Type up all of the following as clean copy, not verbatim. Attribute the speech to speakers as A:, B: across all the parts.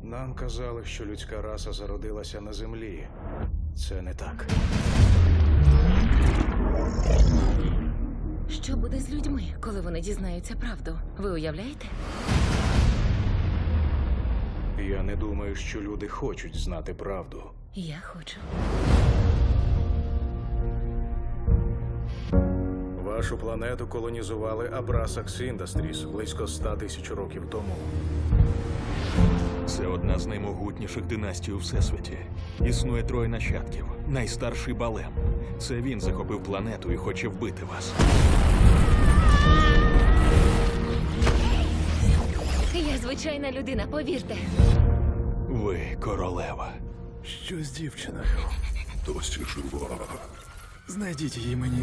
A: Нам казали, що людська раса зародилася на землі. Це не так.
B: Що буде з людьми, коли вони дізнаються правду? Ви уявляєте?
A: Я не думаю, що люди хочуть знати правду.
B: Я хочу.
A: Вашу планету колонізували Abrasax Industries близько 100 тисяч років тому.
C: Це одна з наймогутніших династій у Всесвіті. Існує троє нащадків. Найстарший Балем. Це він захопив планету і хоче вбити вас.
B: Я звичайна людина, повірте.
C: Ви королева.
D: Що з дівчиною? Досі жива. Знайдіть її мені.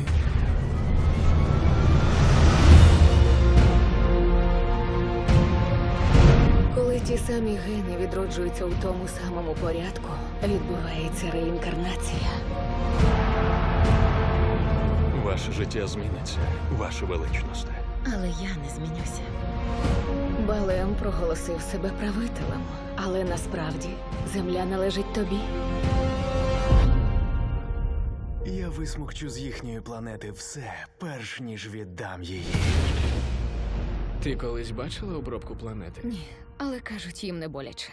E: Коли ті самі гени відроджуються у тому самому порядку, відбувається реінкарнація.
C: Ваше життя зміниться, ваше величносте.
B: Але я не змінюся.
E: Балем проголосив себе правителем, але насправді земля належить тобі.
D: Я висмокчу з їхньої планети все, перш ніж віддам її.
F: Ти колись бачила обробку планети?
E: Ні, але кажуть, їм не боляче.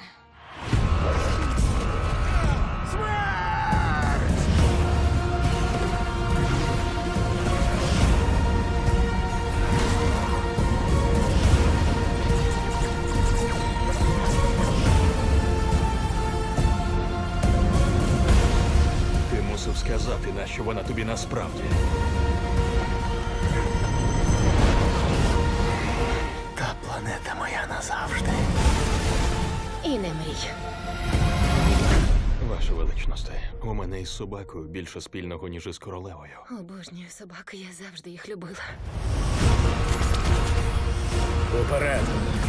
C: Ти мусив сказати, нащо вона тобі насправді.
D: Та планета моя назавжди.
E: І не мрій.
C: Ваше величносте, у мене із собакою більше спільного, ніж із королевою.
B: Обожнюю собак, я завжди їх любила.
A: Уперед!